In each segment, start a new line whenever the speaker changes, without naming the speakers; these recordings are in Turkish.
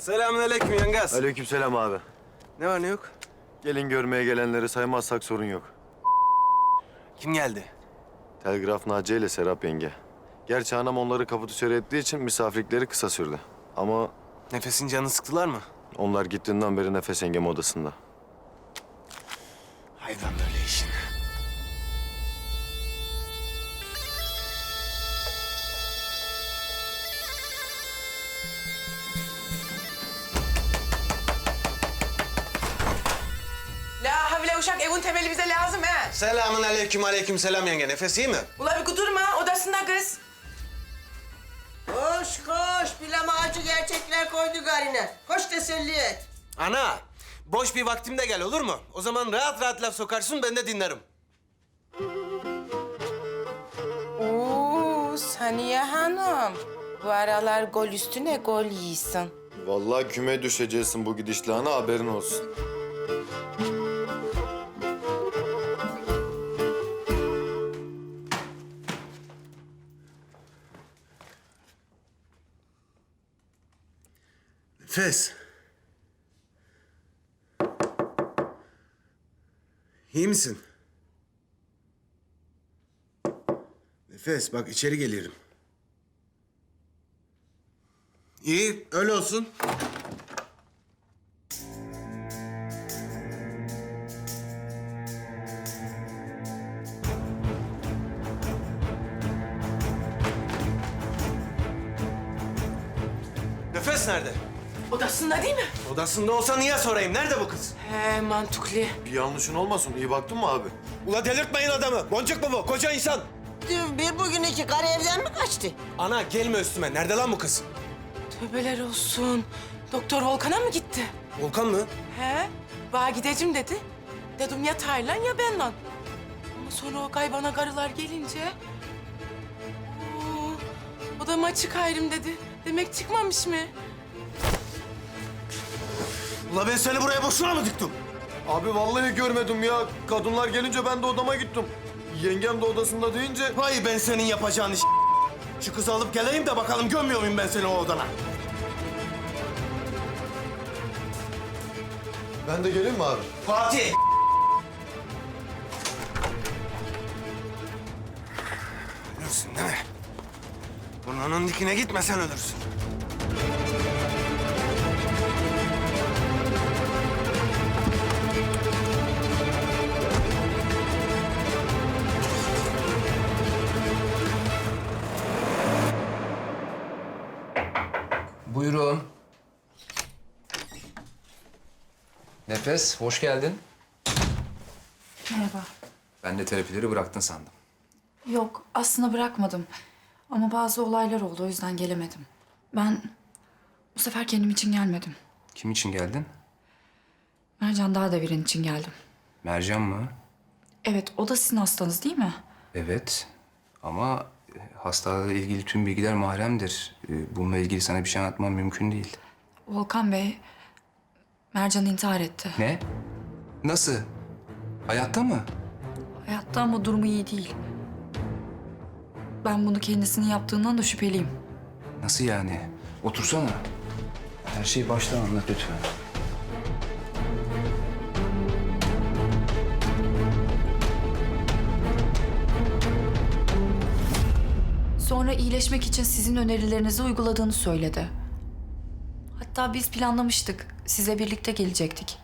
Selamünaleyküm Yangaz.
Aleykümselam abi.
Ne var ne yok?
Gelin görmeye gelenleri saymazsak sorun yok.
Kim geldi?
Telgraf Naciye ile Serap yenge. Gerçi anam onları kapı dışarı ettiği için misafirlikleri kısa sürdü. Ama
Nefes'in canını sıktılar mı?
onlar gittiğinden beri Nefes yengem odasında.
Hayvan böyle işin.
La havle uşak evin temeli bize lazım he.
Aleyküm selam yenge. Nefes iyi mi?
Ula bir kudurma odasında kız.
Koş koş, bilama acı gerçekler koydu garine. Koş teselli et.
Ana, boş bir vaktimde gel olur mu? O zaman rahat rahat laf sokarsın, ben de dinlerim.
Oo Saniye Hanım. Bu aralar gol üstüne gol yiyorsun.
Vallahi küme düşeceksin bu gidişle ana, haberin olsun.
Nefes. İyi misin? Nefes, bak içeri geliyorum. İyi, öyle olsun. Nefes nerede?
Odasında değil mi?
Odasında olsa niye sorayım? Nerede bu kız?
He mantıklı.
Bir yanlışın olmasın, iyi baktın mı abi?
Ula delirtmeyin adamı. Boncuk mu bu? Koca insan.
Dün bir bugün iki karı evden mi kaçtı?
Ana gelme üstüme. Nerede lan bu kız?
Tövbeler olsun. Doktor Volkan'a mı gitti?
Volkan mı?
He? Bana gideceğim dedi. Dedim ya Taylan ya benle. Ama sonra o kaybana karılar gelince... Oo, odama açık ayrım dedi. Demek çıkmamış mı?
Ula ben seni buraya boşuna mı diktim?
Abi vallahi görmedim ya. Kadınlar gelince ben de odama gittim. Yengem de odasında deyince...
Vay ben senin yapacağın iş. Şu kızı alıp geleyim de bakalım gömüyor muyum ben seni o odana?
Ben de geleyim mi abi?
Fatih! Ölürsün değil mi? Burnunun dikine gitmesen ölürsün.
Buyurun. Nefes, hoş geldin.
Merhaba.
Ben de terapileri bıraktın sandım.
Yok, aslında bırakmadım. Ama bazı olaylar oldu, o yüzden gelemedim. Ben bu sefer kendim için gelmedim.
Kim için geldin?
Mercan Dağdeviren için geldim.
Mercan mı?
Evet, o da sizin hastanız değil mi?
Evet. Ama hastalıkla ilgili tüm bilgiler mahremdir. Bununla ilgili sana bir şey anlatmam mümkün değil.
Volkan Bey, Mercan intihar etti.
Ne? Nasıl? Hayatta mı?
Hayatta ama durumu iyi değil. Ben bunu kendisinin yaptığından da şüpheliyim.
Nasıl yani? Otursana. Her şeyi baştan anlat lütfen.
Sonra iyileşmek için sizin önerilerinizi uyguladığını söyledi. Hatta biz planlamıştık. Size birlikte gelecektik.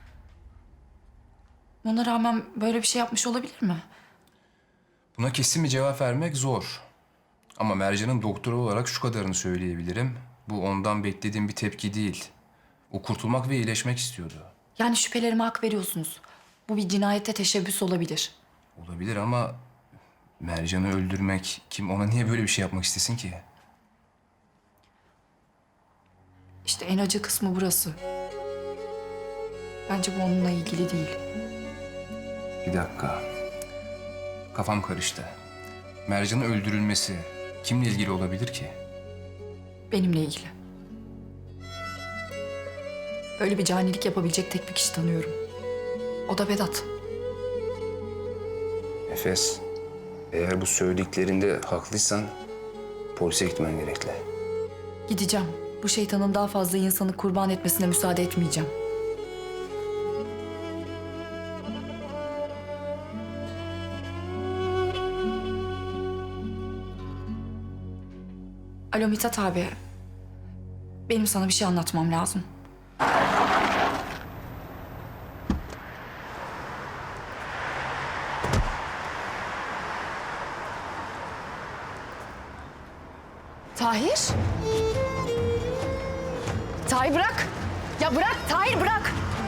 Ona rağmen böyle bir şey yapmış olabilir mi?
Buna kesin bir cevap vermek zor. Ama Mercan'ın doktoru olarak şu kadarını söyleyebilirim. Bu ondan beklediğim bir tepki değil. O kurtulmak ve iyileşmek istiyordu.
Yani şüphelerime hak veriyorsunuz. Bu bir cinayete teşebbüs olabilir.
Olabilir ama Mercan'ı öldürmek, kim ona niye böyle bir şey yapmak istesin ki?
İşte en acı kısmı burası. Bence bu onunla ilgili değil.
Bir dakika. Kafam karıştı. Mercan'ın öldürülmesi kimle ilgili olabilir ki?
Benimle ilgili. Böyle bir canilik yapabilecek tek bir kişi tanıyorum. O da Vedat.
Nefes, eğer bu söylediklerinde haklıysan polise gitmen gerekli.
Gideceğim. Bu şeytanın daha fazla insanı kurban etmesine müsaade etmeyeceğim. Alo Mithat abi. Benim sana bir şey anlatmam lazım.
Tahir? Tahir bırak. Ya bırak Tahir bırak.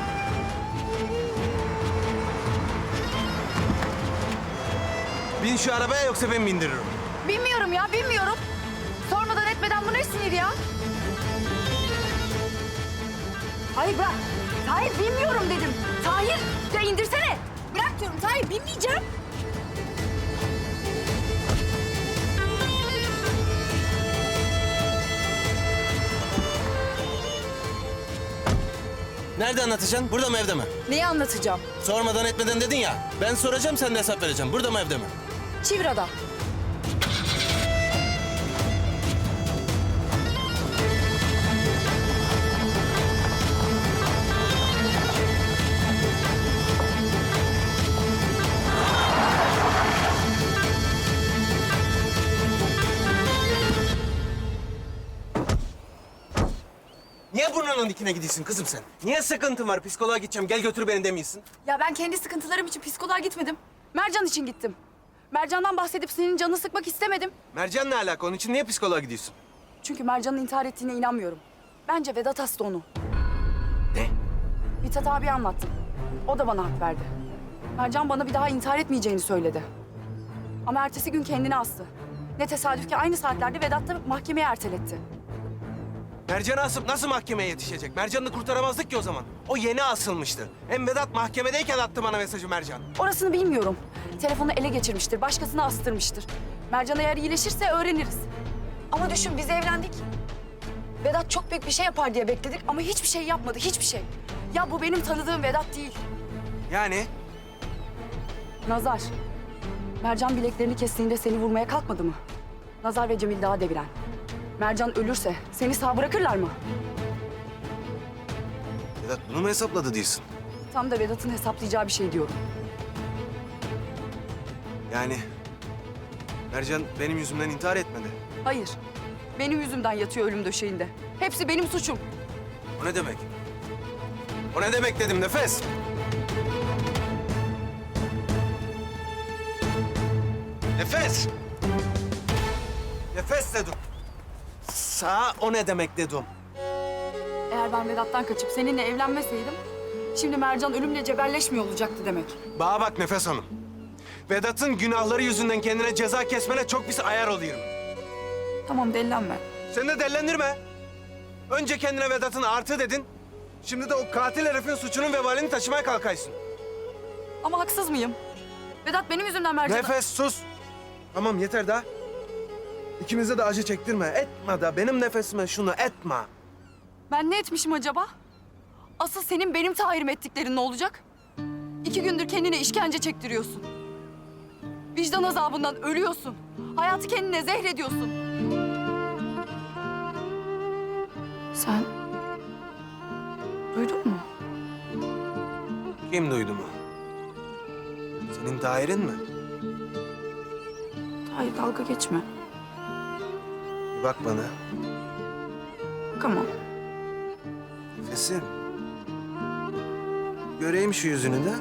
Bin şu arabaya yoksa ben bindiririm.
Bilmiyorum ya bilmiyorum. Sormadan etmeden bu ne sinir ya? Hayır bırak. Tahir bilmiyorum dedim. Tahir ya indirsene. Bırak diyorum Tahir binmeyeceğim.
Nerede anlatacaksın? Burada mı evde mi?
Neyi anlatacağım?
Sormadan etmeden dedin ya. Ben soracağım sen de hesap vereceğim. Burada mı evde mi?
Çivra'da.
Niye burnunun dikine gidiyorsun kızım sen? Niye sıkıntın var? Psikoloğa gideceğim. Gel götür beni demiyorsun.
Ya ben kendi sıkıntılarım için psikoloğa gitmedim. Mercan için gittim. Mercan'dan bahsedip senin canını sıkmak istemedim.
Mercan ne alaka? Onun için niye psikoloğa gidiyorsun?
Çünkü Mercan'ın intihar ettiğine inanmıyorum. Bence Vedat hasta onu.
Ne?
Mithat abi anlattım. O da bana hak verdi. Mercan bana bir daha intihar etmeyeceğini söyledi. Ama ertesi gün kendini astı. Ne tesadüf ki aynı saatlerde Vedat da mahkemeye erteletti.
Mercan'ı asıp nasıl mahkemeye yetişecek? Mercan'ı kurtaramazdık ki o zaman. O yeni asılmıştı. Hem Vedat mahkemedeyken attı bana mesajı Mercan.
Orasını bilmiyorum. Telefonu ele geçirmiştir, başkasına astırmıştır. Mercan eğer iyileşirse öğreniriz. Ama düşün biz evlendik. Vedat çok büyük bir şey yapar diye bekledik ama hiçbir şey yapmadı, hiçbir şey. Ya bu benim tanıdığım Vedat değil.
Yani?
Nazar. Mercan bileklerini kestiğinde seni vurmaya kalkmadı mı? Nazar ve Cemil daha deviren. Mercan ölürse seni sağ bırakırlar mı?
Vedat bunu mu hesapladı diyorsun?
Tam da Vedat'ın hesaplayacağı bir şey diyorum.
Yani Mercan benim yüzümden intihar etmedi.
Hayır. Benim yüzümden yatıyor ölüm döşeğinde. Hepsi benim suçum.
O ne demek? O ne demek dedim Nefes? Nefes! Nefes dedim. Sağ o ne demek dedim.
Eğer ben Vedat'tan kaçıp seninle evlenmeseydim... ...şimdi Mercan ölümle cebelleşmiyor olacaktı demek.
Bana bak Nefes Hanım. Vedat'ın günahları yüzünden kendine ceza kesmene çok pis ayar oluyorum.
Tamam delilenme.
Sen de dellendirme. Önce kendine Vedat'ın artı dedin. Şimdi de o katil herifin suçunun vebalini taşımaya kalkaysın.
Ama haksız mıyım? Vedat benim yüzümden Mercan'a...
Nefes sus. Tamam yeter daha. İkimize de acı çektirme. Etme da benim nefesime şunu etme.
Ben ne etmişim acaba? Asıl senin benim Tahir'im ettiklerin ne olacak? 2 gündür kendine işkence çektiriyorsun. Vicdan azabından ölüyorsun. Hayatı kendine zehrediyorsun. Sen... duydun mu?
Kim duydu mu? Senin Tahir'in mi?
Tahir dalga geçme.
Bir bak bana.
Bakamam.
Nefesim. Göreyim şu yüzünü de.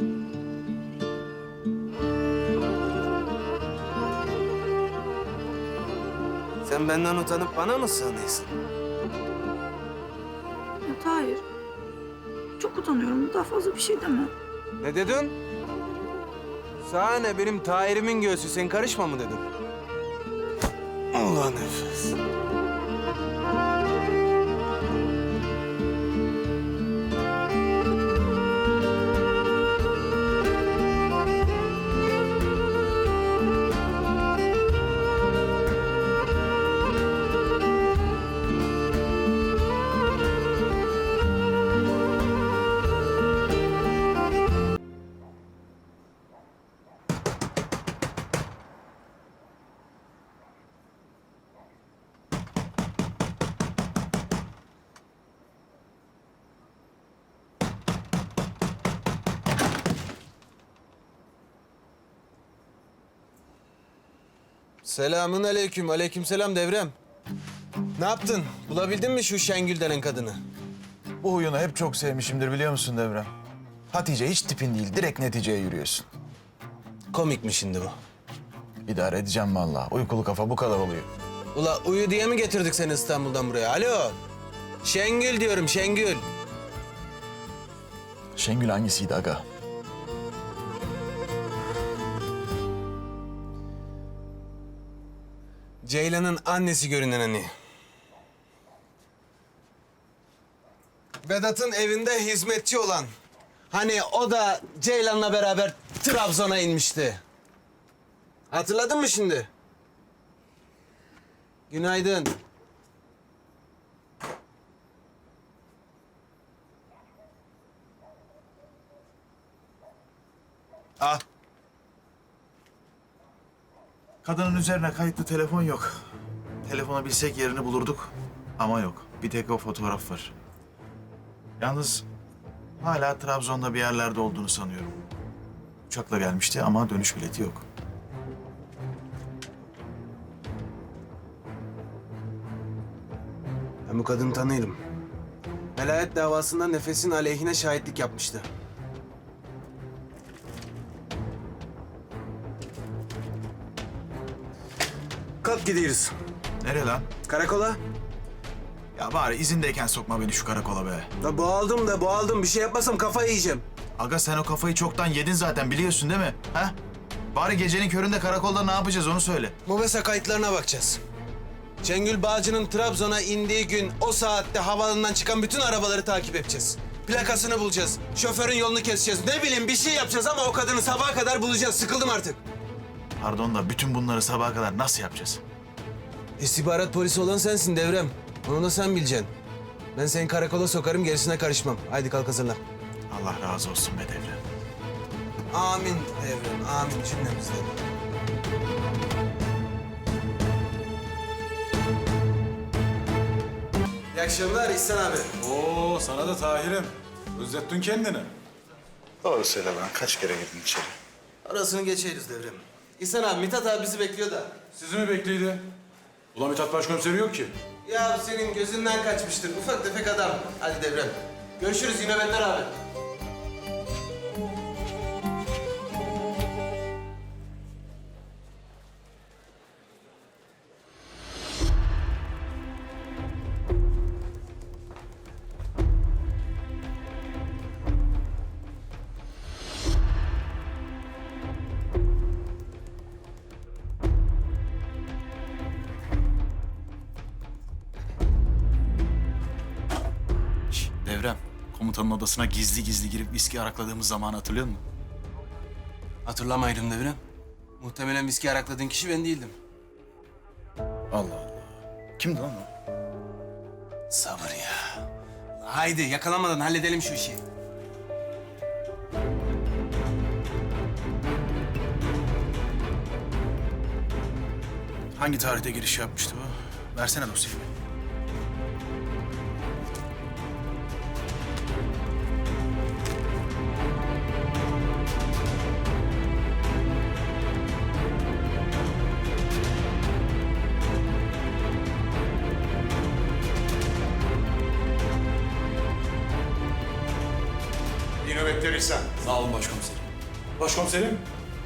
Sen benden utanıp bana mı sığınıyorsun?
Ya Tahir. Çok utanıyorum. Daha fazla bir şey deme.
Ne dedin? Sana ne benim Tahir'imin göğsü sen karışma mı dedin? Allah nefes. Selamun aleyküm. Aleykümselam Devrem. Ne yaptın? Bulabildin mi şu Şengül denen kadını?
Bu huyunu hep çok sevmişimdir biliyor musun Devrem? Hatice hiç tipin değil, direkt neticeye yürüyorsun.
Komik mi şimdi bu?
İdare edeceğim vallahi. Uykulu kafa bu kadar oluyor.
Ula uyu diye mi getirdik seni İstanbul'dan buraya? Alo. Şengül diyorum, Şengül.
Şengül hangisiydi aga?
Ceylan'ın annesi görünen hani. Vedat'ın evinde hizmetçi olan. Hani o da Ceylan'la beraber Trabzon'a inmişti. Hatırladın mı şimdi? Günaydın. Ah.
Kadının üzerine kayıtlı telefon yok. Telefona bilsek yerini bulurduk ama yok. Bir tek o fotoğraf var. Yalnız hala Trabzon'da bir yerlerde olduğunu sanıyorum. Uçakla gelmişti ama dönüş bileti yok.
Ben bu kadını tanıyorum. Velayet davasında Nefes'in aleyhine şahitlik yapmıştı. Kalk gidiyoruz.
Nereye lan?
Karakola.
Ya bari izindeyken sokma beni şu karakola be.
Ya boğaldım. Bir şey yapmasam kafayı yiyeceğim.
Aga sen o kafayı çoktan yedin zaten biliyorsun değil mi? Ha? Bari gecenin köründe karakolda ne yapacağız onu söyle.
Mobese kayıtlarına bakacağız. Şengül Bağcı'nın Trabzon'a indiği gün o saatte havaalanından çıkan bütün arabaları takip edeceğiz. Plakasını bulacağız. Şoförün yolunu keseceğiz. Ne bileyim bir şey yapacağız ama o kadını sabaha kadar bulacağız. Sıkıldım artık.
Pardon da bütün bunları sabaha kadar nasıl yapacağız?
İstihbarat polisi olan sensin Devrem. Onu da sen bileceksin. Ben seni karakola sokarım, gerisine karışmam. Haydi kalk hazırlan.
Allah razı olsun be Devrem.
Amin Devrem, amin cümlemizden. İyi akşamlar İhsan abi.
Oo, sana da Tahir'im. Özlettin kendini.
Doğru söyle lan. Kaç kere girdin içeri?
Arasını geçeriz Devrem. İhsan abi, Mithat abi bizi bekliyor da.
Sizi mi bekliydi? Ulan Mithat Başkomiseri yok ki.
Ya senin gözünden kaçmıştır. Ufak tefek adam. Hadi Devrem. Görüşürüz yine benden abi.
Devrem, komutanın odasına gizli gizli girip viski arakladığımız zamanı hatırlıyor musun?
Hatırlamayırım Devrem. Muhtemelen viski arakladığın kişi ben değildim.
Allah Allah. Kimdi lan o?
Sabır ya. Haydi yakalanmadan halledelim şu işi.
Hangi tarihte giriş yapmıştı bu? Versene dosyayı.
İyi nöbetler İhsan.
Sağ olun başkomiserim. Başkomiserim.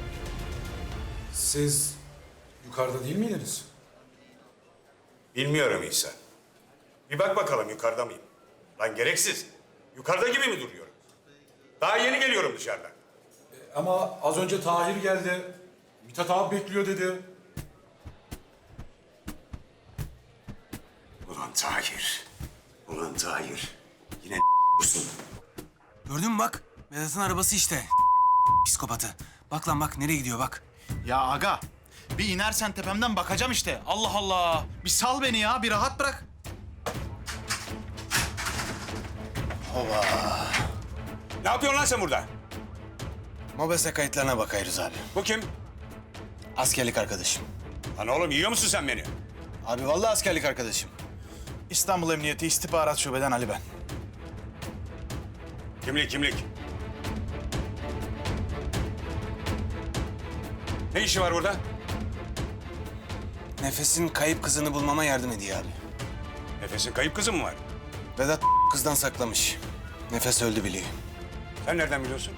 Siz yukarıda değil miydiniz?
Bilmiyorum İhsan. Bir bak bakalım yukarıda mıyım? Lan gereksiz. Yukarıda gibi mi duruyorum? Daha yeni geliyorum dışarıdan.
Ama az önce Tahir geldi. Mithat abi bekliyor dedi.
Ulan Tahir. Ulan Tahir. Yine musun?
Gördün mü bak? Vedat'ın arabası işte. Psikopatı. Bak lan bak nereye gidiyor bak.
Ya aga, bir inersen tepemden bakacağım işte. Allah Allah. Bir sal beni ya, bir rahat bırak.
Ne yapıyorsun lan sen burada?
Mobese kayıtlarına bakıyoruz abi.
Bu kim?
Askerlik arkadaşım.
Lan oğlum yiyor musun sen beni?
Abi vallahi askerlik arkadaşım.
İstanbul Emniyeti İstihbarat Şube'den Ali ben.
Kimlik. Ne işi var burada?
Nefes'in kayıp kızını bulmama yardım ediyor abi.
Nefes'in kayıp kızı mı var?
Vedat kızdan saklamış. Nefes öldü biliyor.
Sen nereden biliyorsun?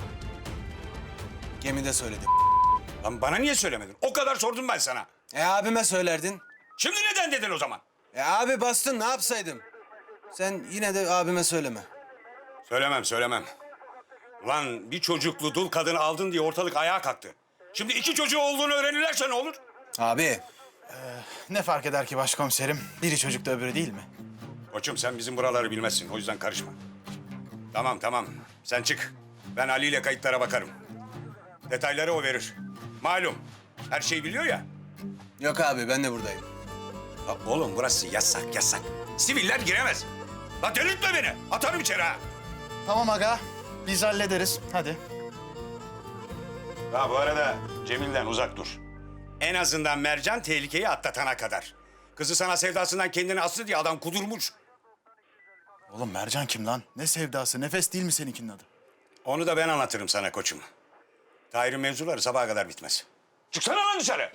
Gemide söyledi.
Lan bana niye söylemedin? O kadar sordum ben sana.
Abime söylerdin.
Şimdi neden dedin o zaman?
Abi bastın ne yapsaydım? Sen yine de abime söyleme.
Söylemem. Lan bir çocuklu dul kadını aldın diye ortalık ayağa kalktı. Şimdi 2 çocuğu olduğunu öğrenirlerse ne olur?
Abi.
Ne fark eder ki başkomiserim? Biri çocukta öbürü değil mi?
Koçum sen bizim buraları bilmezsin. O yüzden karışma. Tamam. Sen çık. Ben Ali ile kayıtlara bakarım. Detayları o verir. Malum. Her şeyi biliyor ya.
Yok abi ben de buradayım.
Ya oğlum burası yasak. Siviller giremez. La delirtme beni. Atarım içeri ha.
Tamam aga. Biz hallederiz. Hadi.
Ha bu arada Cemil'den uzak dur. En azından Mercan tehlikeyi atlatana kadar. Kızı sana sevdasından kendini astı diye adam kudurmuş.
Oğlum Mercan kim lan? Ne sevdası? Nefes değil mi seninkinin adı?
Onu da ben anlatırım sana koçum. Tahir'in mevzuları sabaha kadar bitmez. Çıksana lan dışarı.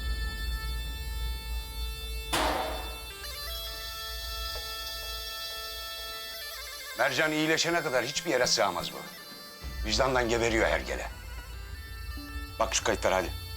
Mercan iyileşene kadar hiçbir yere sığamaz bu. Vicdandan geberiyor hergele. Bak şu kayıtlara hadi.